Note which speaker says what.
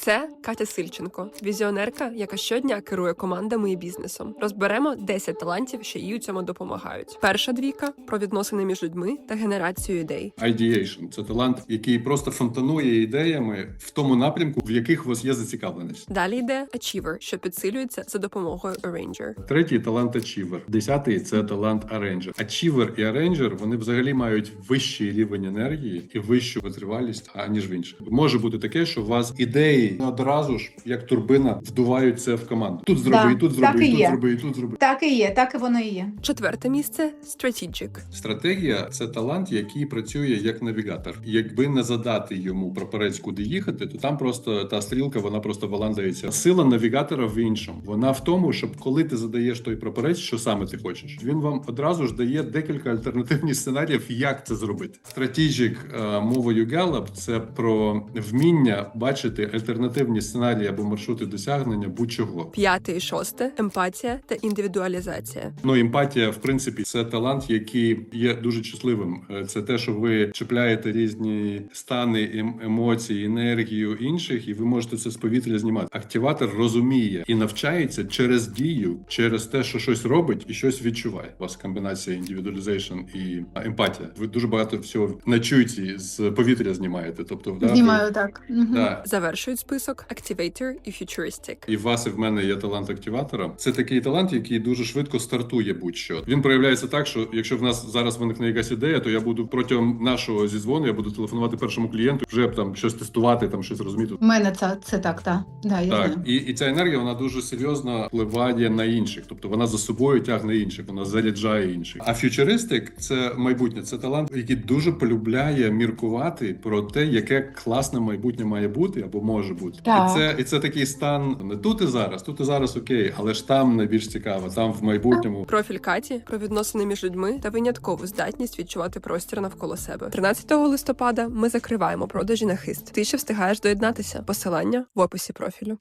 Speaker 1: Це Катя Сильченко, візіонерка, яка щодня керує командами і бізнесом. Розберемо 10 талантів, що їй у цьому допомагають. Перша двійка – про відносини між людьми та генерацію ідей.
Speaker 2: Ideation – це талант, який просто фонтанує ідеями в тому напрямку, в яких у вас є зацікавленість.
Speaker 1: Далі йде Achiever, що підсилюється за допомогою Arranger.
Speaker 2: Третій – талант Achiever. 10-й – це талант Arranger. Achiever і Arranger, вони взагалі мають вищий рівень енергії і вищу витривалість, аніж в інших. Може бути таке, що у вас ідеї одразу ж, як турбина, вдувають це в команду. Тут зроби, тут зроби, тут зроби, тут зроби.
Speaker 3: Так і є, так і воно і є.
Speaker 1: Четверте місце – Strategic.
Speaker 2: Стратегія – це талант, який працює як навігатор. Якби не задати йому прапорець, куди їхати, то там просто та стрілка, вона просто валандається. Сила навігатора в іншому. Вона в тому, щоб коли ти задаєш той прапорець, що саме ти хочеш, він вам одразу ж дає декілька альтернативних сценаріїв, як це зробити. Strategic мовою Gallup – це про вміння бачити альтернативні сценарії або маршрути досягнення будь-чого.
Speaker 1: П'яте і шосте – емпатія та індивідуалізація.
Speaker 2: Ну, емпатія, в принципі, це талант, який є дуже чутливим. Це те, що ви чіпляєте різні стани, емоції, енергію інших, і ви можете це з повітря знімати. Активатор розуміє і навчається через дію, через те, що щось робить і щось відчуває. У вас комбінація індивідуалізейшн і емпатія. Ви дуже багато всього на інтуїції з повітря знімаєте. Тобто,
Speaker 3: Знімаю так.
Speaker 2: Да.
Speaker 1: Завершують список Activator і Futuristic.
Speaker 2: І в вас, і в мене є талант активатора. Це такий талант, який дуже швидко стартує будь-що. Він проявляється так, що якщо в нас зараз виникне якась ідея, то я буду протягом нашого зізвону, я буду телефонувати першому клієнту, вже там щось тестувати, там щось розуміти.
Speaker 3: У мене це так, так. Да, я
Speaker 2: Так,
Speaker 3: знаю.
Speaker 2: і ця енергія, вона дуже серйозно впливає на інших. Тобто вона за собою тягне інших, вона заряджає інших. А фьючеристик – це майбутнє, це талант, який дуже полюбляє міркувати про те, яке класне майбутнє має бути або може бути.
Speaker 3: Так.
Speaker 2: І це такий стан не тут і зараз окей, але ж там найбільш цікаво, там в майбутньому.
Speaker 1: Профіль Каті – про відносини між людьми та виняткову здатність відчувати простір навколо себе. 13 листопада ми закриваємо продажі на хист. Ти ще встигаєш доєднатися. Посилання в описі профілю.